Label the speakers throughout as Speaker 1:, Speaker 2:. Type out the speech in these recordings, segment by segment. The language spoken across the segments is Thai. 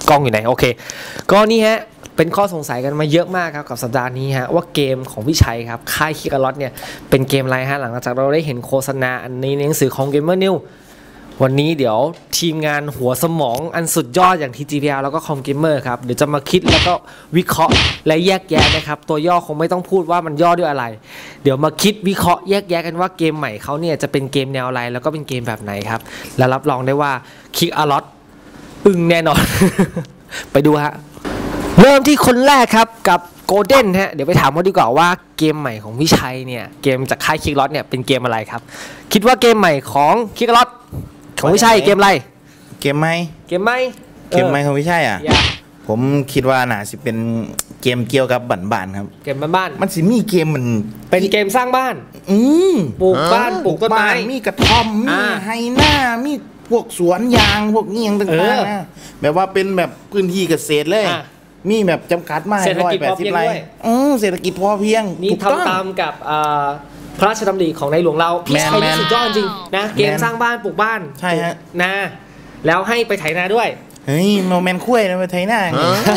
Speaker 1: กล้องอยู่ไหนโอเคก็นี่ฮะเป็นข้อสงสัยกันมาเยอะมากครับกับสัปดาห์นี้ฮะว่าเกมของพี่ชัยครับค่ายคิกาลอตเนี่ยเป็นเกมอะไรฮะหลังจากเราได้เห็นโฆษณาอันนี้ในหนังสือของ Gamer News วันนี้เดี๋ยวทีมงานหัวสมองอันสุดยอดอย่าง TGPL แล้วก็ Com Gamer ครับเดี๋ยวจะมาคิดแล้วก็วิเคราะห์และแยกแยะนะครับตัวย่อคงไม่ต้องพูดว่ามันย่อด้วยอะไรเดี๋ยวมาคิดวิเคราะห์แยกแยะกันว่าเกมใหม่เขาเนี่ยจะเป็นเกมแนวอะไรแล้วก็เป็นเกมแบบไหนครับและรับรองได้ว่าคิกาลอตอึ้งแน่นอน ไปดูฮะเริ่มที่คนแรกครับกับโกลเด้นฮะเดี๋ยวไปถามเขาดีกว่าว่าเกมใหม่ของพี่ชัยเนี่ยเกมจากค่ายคิกลอตเนี่ยเป็นเกมอะไรครับคิดว่าเกมใหม่ของคิกลอตของพี่ชัยเกมอะไร
Speaker 2: เกมไหมของพี่ชัยอ่ะผมคิดว่าน่าสิเป็นเกมเกี่ยวกับบ้านๆครับ
Speaker 1: เกมบ้าน
Speaker 2: มันสิมีเกมมัน
Speaker 1: เป็นเกมสร้างบ้านปลูกบ้านปลูกต้นไม้
Speaker 2: มีกระท่อมมีไฮนามีพวกสวนยางพวกเงี้ยงต่างๆนะแบบว่าเป็นแบบพื้นที่เกษตรเลยมีแบบจำกัดมาก180 ไร่เศรษฐกิจพอเพียง
Speaker 1: นี่ทำตามกับพระราชดำริของในหลวงเราพี่ชัยนี่สุดยอดจริงนะเกมสร้างบ้านปลูกบ้าน
Speaker 2: ใช่ฮะ
Speaker 1: นาแล้วให้ไปไถนาด้วย
Speaker 2: เฮ้ยโมเมนต์คุ้ยนะไปไถนา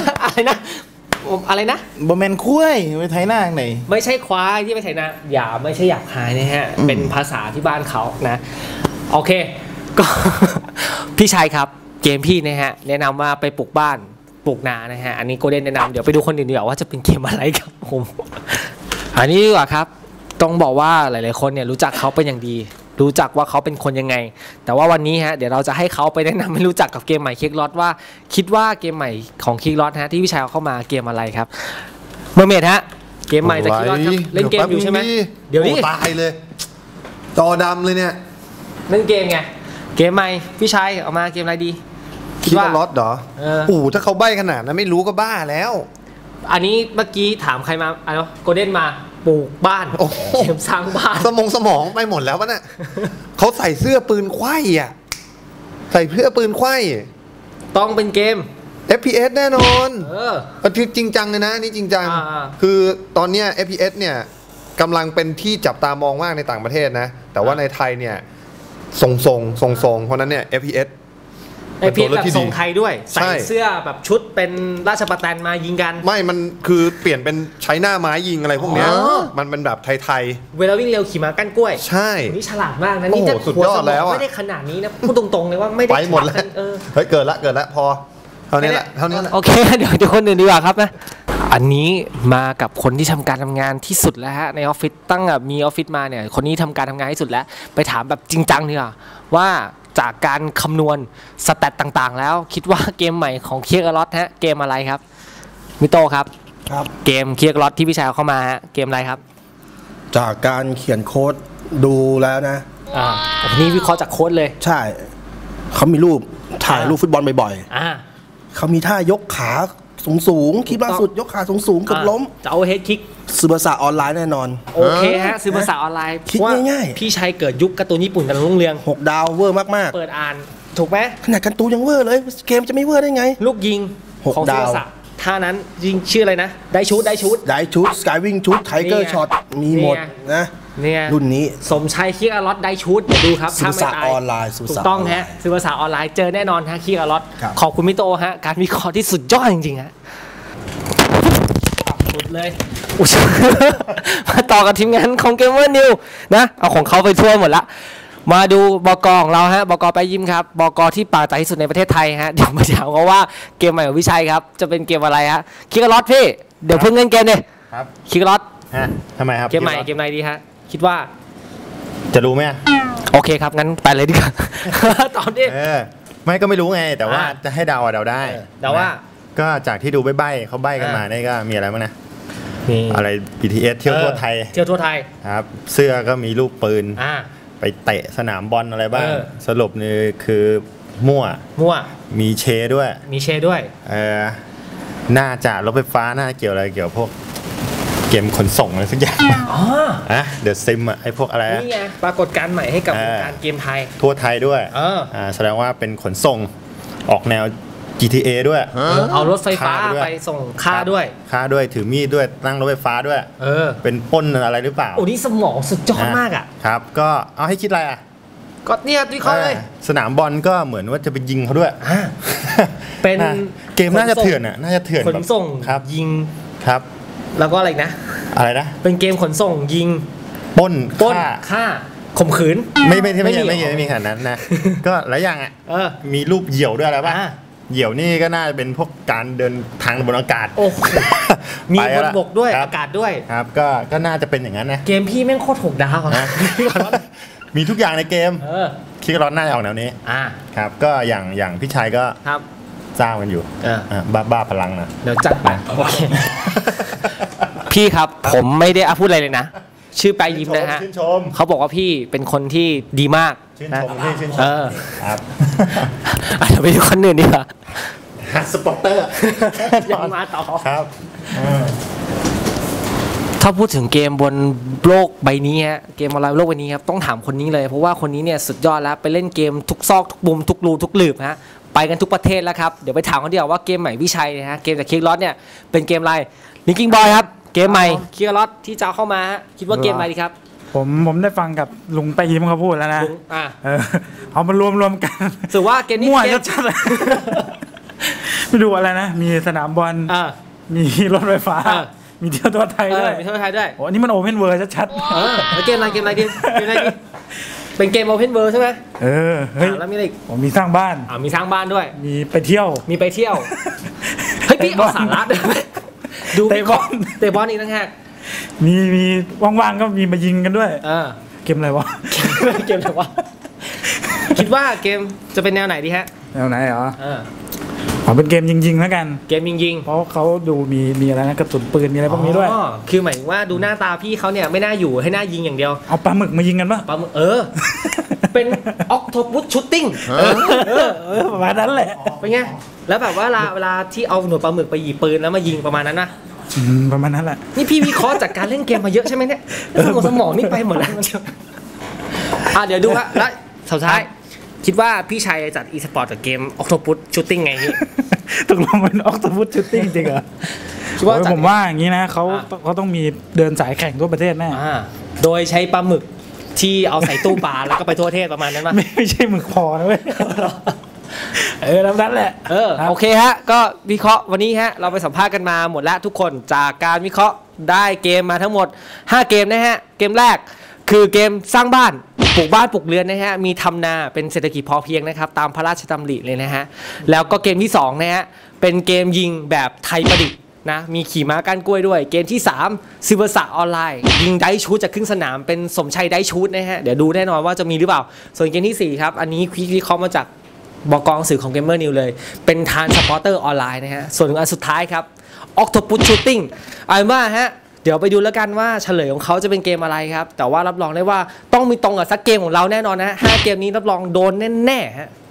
Speaker 1: อะไรนะ
Speaker 2: โมเมนต์คุ้ยไปไถนาไหน
Speaker 1: ไม่ใช่ควายที่ไปไถนาอย่าไม่ใช่หยาบคายนะฮะเป็นภาษาที่บ้านเขานะโอเคก็พี่ชัยครับเกมพี่นะฮะแนะนำว่าไปปลูกบ้านปลูกนานะฮะอันนี้โกลเด้นแนะนำเดี๋ยวไปดูคนอื่นดีกว่าว่าจะเป็นเกมอะไรครับผมอันนี้ดีกว่าครับต้องบอกว่าหลายๆคนเนี่ยรู้จักเขาเป็นอย่างดีรู้จักว่าเขาเป็นคนยังไงแต่ว่าวันนี้ฮะเดี๋ยวเราจะให้เขาไปแนะนำให้รู้จักกับเกมใหม่คิกลอตว่าคิดว่าเกมใหม่ของคิกลอตฮะที่พี่ชายเข้ามาเกมอะไรครับเมอร์เมดฮะเกมใหม่จากคิกลอตครับเล่นเกมอยู่ใช่ไหมเดี๋ยวนี้
Speaker 3: ตายเลยจอดำเลยเนี่ย
Speaker 1: เล่นเกมไงเกมใหม่พี่ชายเอามาเกมอะไรดี
Speaker 3: คิกลอตเหรอถ้าเขาใบ้ขนาดนั้นไม่รู้ก็บ้าแล้ว
Speaker 1: อันนี้เมื่อกี้ถามใครมาอะไรโกลเด้นมาปลูกบ้านเกมสร้างบ้าน
Speaker 3: สมองไปหมดแล้ววะเนี่ยเขาใส่เสื้อปืนไขว้อ่ะใส่เสื้อปืนไขว้
Speaker 1: ต้องเป็นเกม
Speaker 3: FPS แน่นอนจริงจังเลยนะนี่จริงจังคือตอนเนี้ย FPS เนี่ยกำลังเป็นที่จับตามองมากในต่างประเทศนะแต่ว่าในไทยเนี่ยทรงเพราะนั้นเนี่ย FPS
Speaker 1: แบบทรงไทยด้วยใส่เสื้อแบบชุดเป็นราชประแตนมายิงกัน
Speaker 3: ไม่มันคือเปลี่ยนเป็นใช้หน้าไม้ยิงอะไรพวกเนี้ยมันเป็นแบบไทย
Speaker 1: เวลาวิ่งเร็วขี่ม้ากั้นกล้วย
Speaker 3: ใช่
Speaker 1: นี่ฉลาดมากนะนี่จะ
Speaker 3: สุดยอดแล้ว
Speaker 1: ไม่ได้ขนาดนี้นะพูดตรงๆเลยว่าไม่ได้
Speaker 3: ไปหมดแล้วเฮ้ยเกิดละพอเท่านี้แหละ
Speaker 1: โอเคเดี๋ยวคนอื่นดีกว่าครับนะอันนี้มากับคนที่ทำการทำงานที่สุดแล้วฮะในออฟฟิศตั้งมีออฟฟิศมาเนี่ยคนนี้ทำการทำงานที่สุดแล้วไปถามแบบจริงจังดีกว่าว่าจากการคำนวณสแตทต่างๆแล้วคิดว่าเกมใหม่ของคิกลอตฮะเกมอะไรครับมิโต้ครับเกมคิกลอตที่พี่ชายเข้ามาฮะเกมอะไรครับ
Speaker 4: จากการเขียนโค้ดดูแล้วนะ
Speaker 1: นี่วิเคราะห์จากโค้ดเลย
Speaker 4: ใช่เขามีรูปถ่ายรูปฟุตบอลบ่อยๆเขามีท่ายกขาสูงคลิปล่าสุดยกขาสูงเกือบล้ม
Speaker 1: จะเอาเฮดคิก
Speaker 4: ซื้อภาษาออนไลน์แน่นอน
Speaker 1: โอเคฮะซื้อภาษาออนไลน์
Speaker 4: คิดง่าย
Speaker 1: ๆพี่ชัยเกิดยุคการ์ตูนญี่ปุ่นกันรุ่งเรือง
Speaker 4: 6 ดาวเวอร์มาก
Speaker 1: ๆเปิดอ่านถูกไหม
Speaker 4: ขนาดการ์ตูนยังเวอร์เลยเกมจะไม่เวอร์ได้ไง
Speaker 1: ลูกยิงของซื้อภาษาท่านั้นยิงชื่ออะไรนะได้ชุด
Speaker 4: สกายวิ่งชุดไทเกอร์ช็อตมีหมดนะ
Speaker 1: เนี่ย
Speaker 4: รุ่นนี้
Speaker 1: สมชัยคิกลอตได้ชุดเดี๋ยวดูครับ
Speaker 4: ซื้อภาษาออนไลน์
Speaker 1: ถูกต้องฮะซื้อภาษาออนไลน์เจอแน่นอนฮะคิกลอตขอบคุณมิโตฮะการวิเคราะห์ที่สุดยอดจริงๆฮะเลยมาต่อกับทีมงานของ Gamer News นะเอาของเขาไปทั่วหมดละมาดูบก.ของเราฮะบก.ไปยิ้มครับบก.ที่ปากใจที่สุดในประเทศไทยฮะเดี๋ยวมาถามเขาว่าเกมใหม่ของวิชัยครับจะเป็นเกมอะไรฮะคิกลอตพี่เดี๋ยวเพิ่งเล่นเกมเลย
Speaker 2: ครับ
Speaker 1: คิกลอต
Speaker 2: ทำไมครับ
Speaker 1: เกมใหม่เกมไหนดีฮะคิดว่า
Speaker 2: จะรู้ไหม
Speaker 1: โอเคครับงั้นไปเลยดีกว่าตอนนี้
Speaker 2: ไม่ก็ไม่รู้ไงแต่ว่าจะให้เดาได้
Speaker 1: เดาว่า
Speaker 2: ก็จากที่ดูใบ้เขาใบ้กันมานี่ก็มีอะไรบ้างนะอะไร BTS เที่ยวทั่วไทยครับเสื้อก็มีรูปปืนไปเตะสนามบอลอะไรบ้างสรุปนี่คือมั่วมีเชด้วยน่าจะรถไฟฟ้าน่าเกี่ยวอะไรเกี่ยวพวกเกมขนส่งอะไรสักอย่างเดอะซิมไอพวกอะไร
Speaker 1: นี่ไงปรากฏการณ์ใหม่ให้กับวงการเกมไทย
Speaker 2: ทั่วไทยด้วยแสดงว่าเป็นขนส่งออกแนวGTA ด้วย
Speaker 1: เอารถไฟฟ้าไปส่งค่า
Speaker 2: ด้วยถือมีดด้วยนั่งรถไฟฟ้าด้วยเป็นปล้นอะไรหรือเปล่า
Speaker 1: โอ้นี่สมองสุดยอดมากอ่ะ
Speaker 2: ครับก็เอาให้คิดอะไรอ่ะ
Speaker 1: ก็เนี่ยวิเคราะห์เลย
Speaker 2: สนามบอลก็เหมือนว่าจะไปยิงเขาด้วย
Speaker 1: เป็น
Speaker 2: เกมน่าจะเถื่อนอ่ะน่าจะเถื่อน
Speaker 1: ขนส่ง
Speaker 2: ครับ
Speaker 1: ยิง
Speaker 2: ครับ
Speaker 1: แล้วก็อะไรนะ
Speaker 2: เป็น
Speaker 1: เกมขนส่งยิง
Speaker 2: ปล้น
Speaker 1: ฆ่าข่มขืน
Speaker 2: ไม่มีขนาดนั้นนะก็หลายอย่างอ่ะมีรูปเหยี่ยวด้วยอะไรป่ะเหยี่ยวนี่ก็น่าจะเป็นพวกการเดินทางบนอากาศ
Speaker 1: มีบนบกด้วยอากาศด้วย
Speaker 2: ครับก็น่าจะเป็นอย่างนั้นนะ
Speaker 1: เกมพี่แม่งโคตร6 ดาวนะ
Speaker 2: มีทุกอย่างในเกมคิดร้อนน่าจะออกแนวนี้ครับก็อย่างพี่ชายก็สร้างกันอยู่บ้าพลังนะ
Speaker 1: เดี๋ยวจัดไปโอเคพี่ครับผมไม่ได้พูดอะไรเลยนะชื่อปลายยิ้มนะฮะเขาบอกว่าพี่เป็นคนที่ดีมาก
Speaker 2: ชื่นชมครับ
Speaker 1: เดี๋ยวไปดูคนอื่นดีกว่า
Speaker 2: สปอร์เตอร์
Speaker 1: ยังมาต่อ
Speaker 2: ครับ
Speaker 1: ถ้าพูดถึงเกมบนโลกใบนี้ฮะเกมออนไลน์โลกใบนี้ครับต้องถามคนนี้เลยเพราะว่าคนนี้เนี่ยสุดยอดแล้วไปเล่นเกมทุกซอกทุกมุมทุกรูทุกหลืบฮะไปกันทุกประเทศแล้วครับเดี๋ยวไปถามเขาเดียวว่าเกมใหม่วิชัยนะฮะเกมจากคิกล็อตเนี่ยเป็นเกมอะไรลิงกิ้งบอยครับเกมใหม่คิกล็อตที่จะเข้ามาคิดว่าเกมอะไรดีครับ
Speaker 5: ผมได้ฟังกับลุงไปยิ้มเขาพูดแล้วนะเอามารวมกัน
Speaker 1: ถือว่าเกมนี้
Speaker 5: มั่วชัดๆเลยไม่ดูอะไรนะมีสนามบอลมีรถไฟฟ้ามีเที่ยวทั่วไทยด้วย
Speaker 1: มีเที่ยวไทยด้วย
Speaker 5: โอ้นี่มันโอเพนเวิร์ชัด
Speaker 1: ๆแล้วเกมอะไรดิเป็นเกมโอเพนเวิร์ใช่ไหม
Speaker 5: เฮ้ย
Speaker 1: แล้วมีอะไรอีก
Speaker 5: มีสร้างบ้าน
Speaker 1: มีสร้างบ้านด้วย
Speaker 5: มีไปเที่ยว
Speaker 1: เฮ้ยพี่เอาสาระด้วยดูเตะบอลอีกนะฮะ
Speaker 5: มีว่างๆก็มีมายิงกันด้วยเกมอะไรวะ
Speaker 1: คิดว่าเกมจะเป็นแนวไหนดีฮะ
Speaker 5: แนวไหนเหรอเป็นเกมยิงๆแล้วกัน
Speaker 1: เกมยิง
Speaker 5: เพราะเขาดูมีอะไรนะกระสุนปืนมีอะไรพวกนี้ด้วย
Speaker 1: คือหมายถึงว่าดูหน้าตาพี่เขาเนี่ยไม่น่าอยู่ให้หน้ายิงอย่างเดียว
Speaker 5: เอาปลาหมึกมายิงกันป่ะ
Speaker 1: ปลาหมึกเป็นออกโทปุสชูตติ้ง
Speaker 5: ประมาณนั้นแหละ
Speaker 1: เป็นไงแล้วแบบว่าเวลาที่เอาหนวดปลาหมึกไปหยิบปืนแล้วมายิงประมาณนั้นนะ
Speaker 5: ประมาณนั้นแหละ
Speaker 1: นี่พี่วิเคราะห์จากการเล่นเกมมาเยอะใช่ไหมเนี่ยสมองนี่ไปหมดแล้วเดี๋ยวดูฮะแล้วสุดท้ายคิดว่าพี่ชัยจัดอีสปอร์ตกับเกมออกโทปุสชูตติ้งไงนี่
Speaker 5: ตกลงเป็นออกโทปุสชูตติ้งจริงเหรอผมว่าอย่างนี้นะเขาต้องมีเดินสายแข่งทั่วประเทศแน่
Speaker 1: โดยใช้ปลาหมึกที่เอาใส่ตู้ปลาแล้วก็ไปทั่วประเทศประมาณนั้นป่ะ
Speaker 5: ไม่ใช่หมึกพอนะเว้ยแล้วนั่นแหละ
Speaker 1: โอเคฮะก็วิเคราะห์วันนี้ฮะเราไปสัมภาษณ์กันมาหมดแล้วทุกคนจากการวิเคราะห์ได้เกมมาทั้งหมด5เกมนะฮะเกมแรกคือเกมสร้างบ้านปลูกบ้านปลูกเรือนนะฮะมีทำนาเป็นเศรษฐกิจพอเพียงนะครับตามพระราชดำริเลยนะฮะแล้วก็เกมที่2นะฮะเป็นเกมยิงแบบไทยประดิษฐ์นะมีขี่ม้าก้านกล้วยด้วยเกมที่3ซิเวอร์สะออนไลน์ยิงไดชูตจากครึ่งสนามเป็นสมชัยไดชูตนะฮะเดี๋ยวดูแน่นอนว่าจะมีหรือเปล่าส่วนเกมที่4ครับอันนี้วิเคราะห์มาจากบก.สื่อของ Gamer News เลยเป็นทานสปอร์เตอร์ออนไลน์นะฮะส่วนอันสุดท้ายครับ Octopus Shooting เอาเป็นว่าฮะเดี๋ยวไปดูแล้วกันว่าเฉลยของเขาจะเป็นเกมอะไรครับแต่ว่ารับรองได้ว่าต้องมีตรงกับสักเกมของเราแน่นอนนะ5เกมนี้รับรองโดนแน่ๆฮะ